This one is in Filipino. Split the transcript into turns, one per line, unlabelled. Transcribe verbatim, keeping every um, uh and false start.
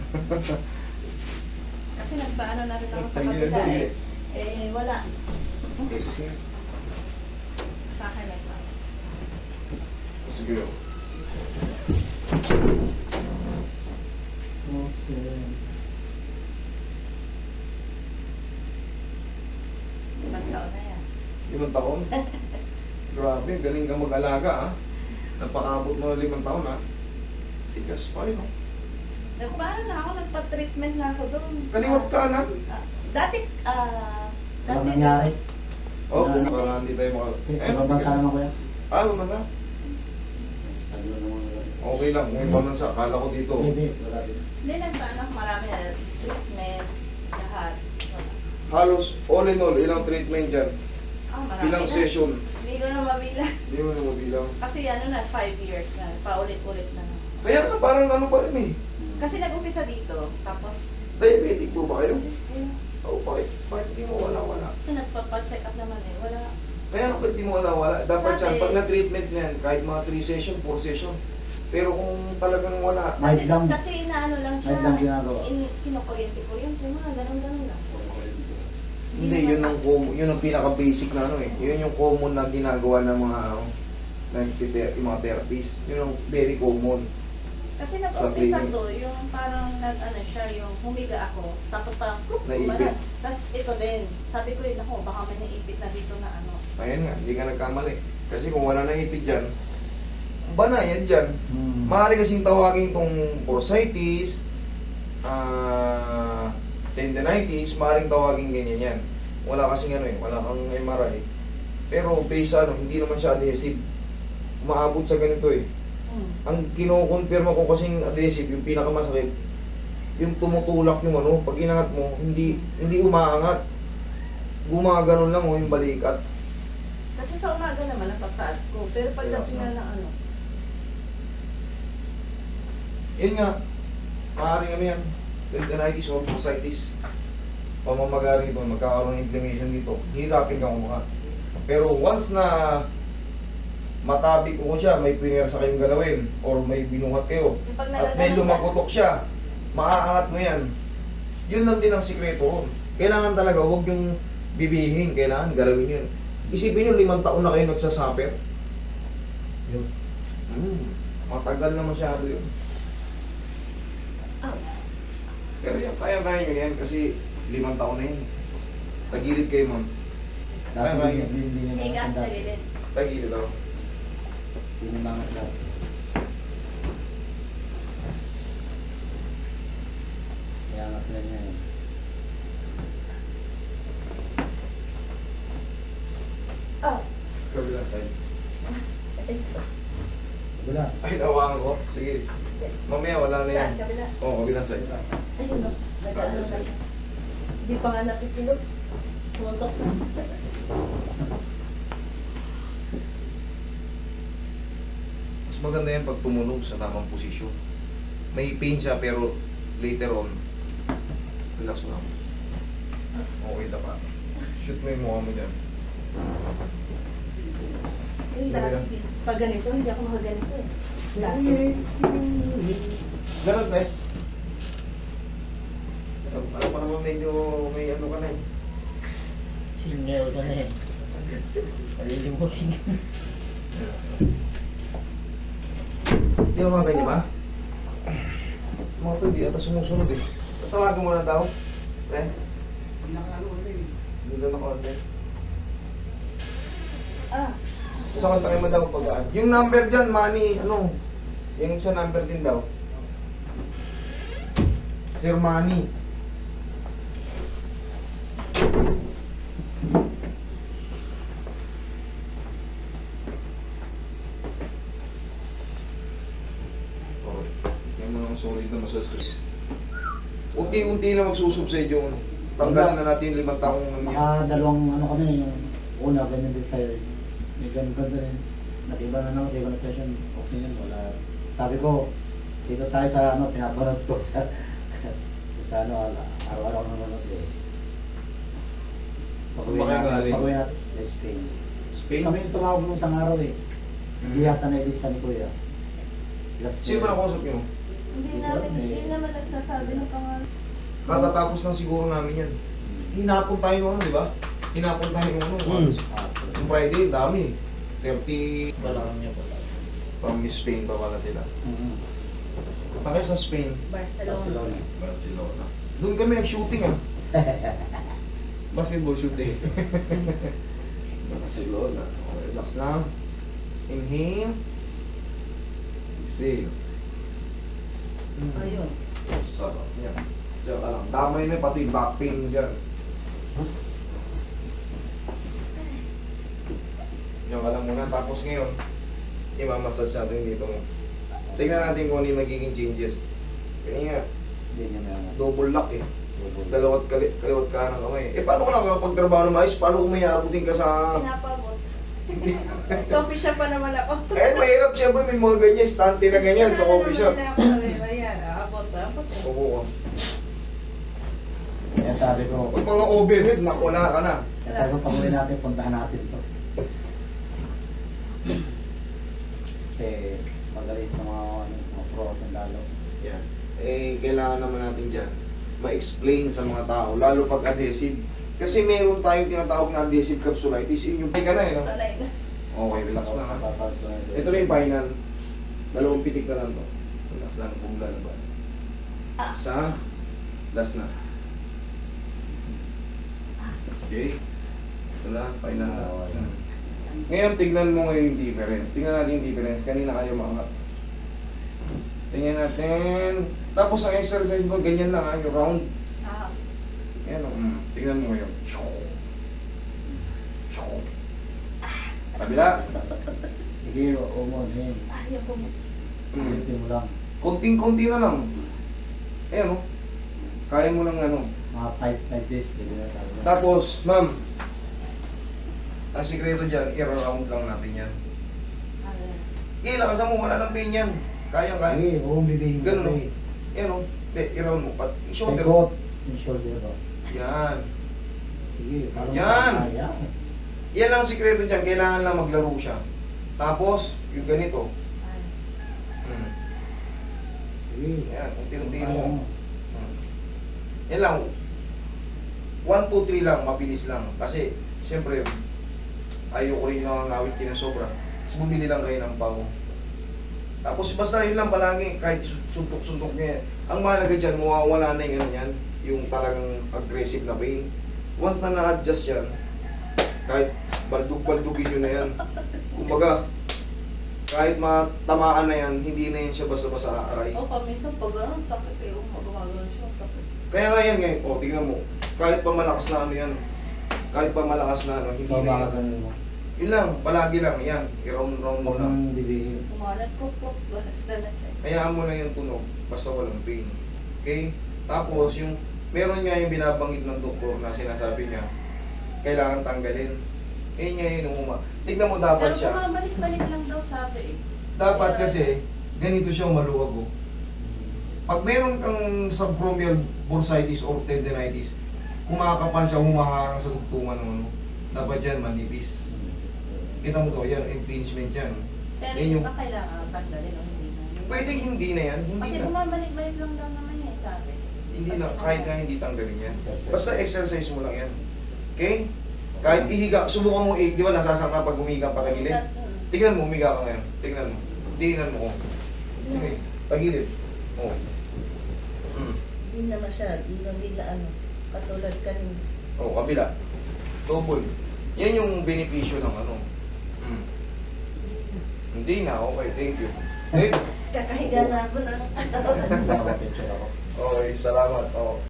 Kasi nagpaano na rin ako sa
Sige,
kabila
sige.
eh. Eh, wala.
Okay, sige.
Sa akin nagpaano.
Sige.
Ibang taon na yan.
Limang taon? Grabe, galing kang mag-alaga ah. Napakabot mo na limang taon ah. Tigas pa yun oh.
Nagpaano na ako, nagpa-treatment na ako doon.
Kaliwat kanan.
Ah, dati, ah,
Walang
dati,
nangyari.
Oh,
Ah.
para hindi tayo maka...
Eh, sa bansa naman kuya.
Ah, bansa?
Espanyol naman kuya.
Okay lang, kung ibang bansa. Akala ko dito.
Hindi, wala din.
hindi nagpaano ako marami na treatment, lahat. Wala.
Halos all in all, ilang treatment dyan?
Ah, marami
Ilang
na.
session?
Hindi ko na mabilang.
Hindi mo na mabilang.
Kasi ano na, five years na, paulit-ulit na.
Kaya nga parang ano pa rin eh.
Kasi nag-umpisa dito, tapos,
Diabetic po ba kayo?
eh,
Oo, bakit? Bakit hindi mo wala-wala?
kasi nagpapa-check up naman eh, wala.
Kaya nga ba't di mo wala-wala? Dapat
Sabi-
yan, pag na-treatment niyan, kahit mga three session, four session. Pero kung talagang wala,
Mild
Kasi,
lang.
kasi inaano lang siya,
Mild lang ginagawa.
in, kinukuryente-kuryente, mga ganun-ganun lang.
hindi, yun ang, com- yun ang pinaka-basic na ano eh. Yun yung common na ginagawa ng mga, ano, nagtite- yung mga therapies. Yun ang very common.
Kasi
Sa
nag-umpisa
clinic.
to, yung parang nag-ano siya, yung humiga ako, tapos parang pluk,
Naipit.
umanan. Tapos ito din, sabi ko yun ako, baka may naipit na dito na ano.
Ayan nga, hindi ka nagkamali. Kasi kung wala na ipit dyan, bana yan dyan.
Hmm.
Maaari kasing tawagin itong bursitis, ah, tendinitis, maaaring tawagin ganyan yan. Wala kasing ano eh, wala kang M R I. Pero based sa ano, hindi naman siya adhesive. Umaabot sa ganito eh.
Hmm.
Ang kinokonfirma ko kasing adhesive, yung pinakamasakit, yung tumutulak yung ano, pag inangat mo, hindi hindi umaangat. Gumaganon lang o yung balikat.
Kasi sa umaga naman, natataas ko. Pero pagdating na ng ano,
Yun nga, maaaring ano yan, tendinitis or bursitis. Pamamaga rito, magkakaroon ng inflammation dito, hirapin kang umuha. Pero once na matabi ko siya, may pinersa kayong galawin, or may binuhat kayo,
yung pag
at may
nagaganon ka,
lumagotok siya, maaangat mo yan. Yun lang din ang sikreto ron. Kailangan talaga, huwag yung bibihin, kailangan galawin yun. Isipin nyo, limang taon na kayo nagsasuffer.
Yun.
Hmm, matagal na masyado yun.
ah,
Pero yan, kaya-kaya nyo yan kasi limang taon na yun. Tagilid kayo, ma'am.
Dati
Ay,
hindi, hindi, hindi naman
higa
ang
sa
dati.
gilid.
Tagilid ako.
Hindi naman ang dati. Kaya nga pala niya yun.
Ah,
Kabilang side.
ito.
Wala.
Ay, nawakan ko. Sige. Mamaya, wala na yan.
Saan? Kabila?
Oo, kabilang side.
Ayun no, nag-ano na siya. Hindi pa nga napipilot. Tumuntok na.
Mas maganda yan pag tumunog sa tamang posisyon. May pain siya pero later on, relax mo lang. Okay na pa. Shoot mo yung mukha mo dyan.
Yung dati, pag ganito, hindi ako makaganito eh. Dati.
Ganun ba eh? Ano pa naman medyo may ano ka na eh.
Senior ka na eh. Malilimutin ka.
Hindi mo mga ganyan ba? Mga to, hindi ata sumusunod eh. Tatawagan mo na daw. Eh? Hindi na naka-order.
Ah,
Gusto kang tayo mo daw pag yung number dyan, Manny, ano? Yung sa number din daw. Sir Manny. Oh, yung mga solid na masasus. Unti-unti na magsusubside yung tanggalin na natin yung limang taong
Maka dalawang ano kami, yung una, ganyan din sa'yo. May ganun ganda rin. Nag-iba na naman sa ibang session. Okay yun, wala. Sabi ko, dito tayo sa ano, pinapanood ko sa sa ano, araw-araw ko nanonood eh. Pag-uwi
Kumakain
natin,
galing?
pag-uwi natin, sa Spain.
Spain.
Kami yung tumawag nung isang araw eh. Hindi
Mm.
yata na-ilista ni Kuya. Last
Sino ba nakausap nyo?
Hindi namin, hindi naman nagsasabi ng pangalan.
Katatapos lang siguro namin yan. Hinapon tayo nung ano, di ba? Hinapon tayo nung ano.
Hmm.
Yung Friday, dami. thirty
Balangan niya pala.
from Spain pa pala sila.
Mhm.
Saan kayo sa Spain?
Barcelona.
Barcelona.
Barcelona. Doon kami nag-shooting ah. Basketball shooting. Barcelona. Okay, relax lang. Inhale. Exhale. Mm.
Ayun.
Sarap niya. Diyan ka lang. Damay na pati yung back pain mo dyan. Diyan ka lang muna. Tapos ngayon, imamassage natin dito mo. Tingnan natin kung ano yung magiging changes. Kaya nga,
Hindi niya meron.
double lock eh. Dalawat kali, kaliwat ka ng kamay. Eh paano ko lang kapagtrabaho ng maayos? Paano kung may aabutin ka sa...
Pinapabot. Coffee shop pa naman ako.
Eh mahirap siyempre may mga ganyan, stante na ganyan sa coffee shop.
Ayan, abot, abot.
Opo ko.
Kaya sabi ko,
Pag mga overhead, nakula ka na.
kaya sabi ko, pag-uli natin, puntahan natin to. Kasi magaling sa mga, ano, mga pros and lalo.
Yan. Eh, kailangan naman natin dyan ma-explain sa mga tao, lalo pag adhesive. Kasi meron tayong tinatawag na adhesive capsulitis. Yun yung ka na eh, no?
Sanay na.
Okay, relax na ha.
Papapag ko na siya.
Ito na yung final. Dalawang pitik na lang to. Relax lang kung lalaban. Sa last na. Okay. Ito na, final na.
Okay.
Ngayon, tignan mo ngayon yung difference. Tignan natin yung difference. Kanina kayo mga... Tingnan natin. Tapos ang exercise mo, ganyan lang ha, yung round.
Ah,
Ayan o. Mm. Tingnan mo ngayon. Kabila.
Sige, umon, hen.
ayaw ko.
Mm.
Ulitin mo lang.
Konting-konti na lang. Ayan o. Kaya mo lang ano.
Mga five days, pwede na tayo.
Tapos, ma'am, ang sikreto dyan, i-round lang natin yan. Ilakasan mo, wala ng pain yan. Kaya-kaya.
Sige, huwag bibihin
Ganun,
kasi.
Yan o. Hindi, i-round mo. Pat, yung shoulder.
Taikot. Yung shoulder ba?
Yan.
Sige, parang
Yan.
sayang.
Yan ang sikreto dyan. Kailangan lang maglaro siya. Tapos, yung ganito. Hmm.
Sige.
Yan, unti-unti
Kaya
mo.
mo.
Hmm. Yan lang. one, two, three lang, mabilis lang. Kasi, siyempre, ayoko rin nakangawit kayo ng sobra. Tapos bumili lang kayo ng pao. Tapos basta yun lang palagi, kahit suntok-suntok niya yan. Ang mahalaga dyan, mawawala na yung ano yan, yung talagang aggressive na pain. Once na na-adjust yan, kahit baldug-baldugin nyo na yan. Kumbaga, kahit matamaan na yan, hindi na yan siya basta-basta aaray.
O, paminsan pag gano'n, sakit eh. Kung magumagano'n siya, sakit.
Kaya nga yan ngayon, o tingnan mo, kahit pa malakas na ano yan, kahit pa malakas na ano, hindi
So,
na
baka
yan.
ganun mo.
Yun lang, palagi lang, yan, i-round-round mo
Huwag
lang.
mong bibihin.
Kumalat ko po. Gano'n na siya.
Hayaan mo lang yung tunog, basta walang pain. Okay? Tapos yung, meron nga yung binabanggit ng doktor na sinasabi niya, kailangan tanggalin. Eh nga yun, umuma. Tignan mo dapat
Pero
siya.
bumabalik-balik lang daw sabi eh.
Dapat kasi, ganito siya maluwag oh. Pag meron kang subchromial bursitis or tendinitis, kumakapal siya, humaharang sa tugtungan mo, no? Dapat yan, manipis. Kita mo to, yan, impingement yan.
Pero
Yan
hindi
yung-
ba kailangan tanggalin o hindi na?
Pwede hindi na yan, hindi
Kasi
na.
bumabalik-balik lang daw naman niya eh, sabi.
Hindi na, kahit nga hindi tanggalin yan.
Exercise.
Basta exercise mo lang yan. Okay? Kahit ihiga, subukan mo i, di ba nasasangka pag umiga pa tagilid?
Mm.
Tingnan mo, umiga ka ngayon. Tingnan mo. Tingnan mo. Oh. Sige, tagilid. Oh. Mm.
Hindi na masyad, hindi na ano, katulad kanina.
Oh, kabila. Double. Yan yung benepisyo ng ano. Mm. Hindi na, okay, thank you. Okay?
Kakahiga na ako ng
Hindi ako picture ako.
Okay, salamat. Oh.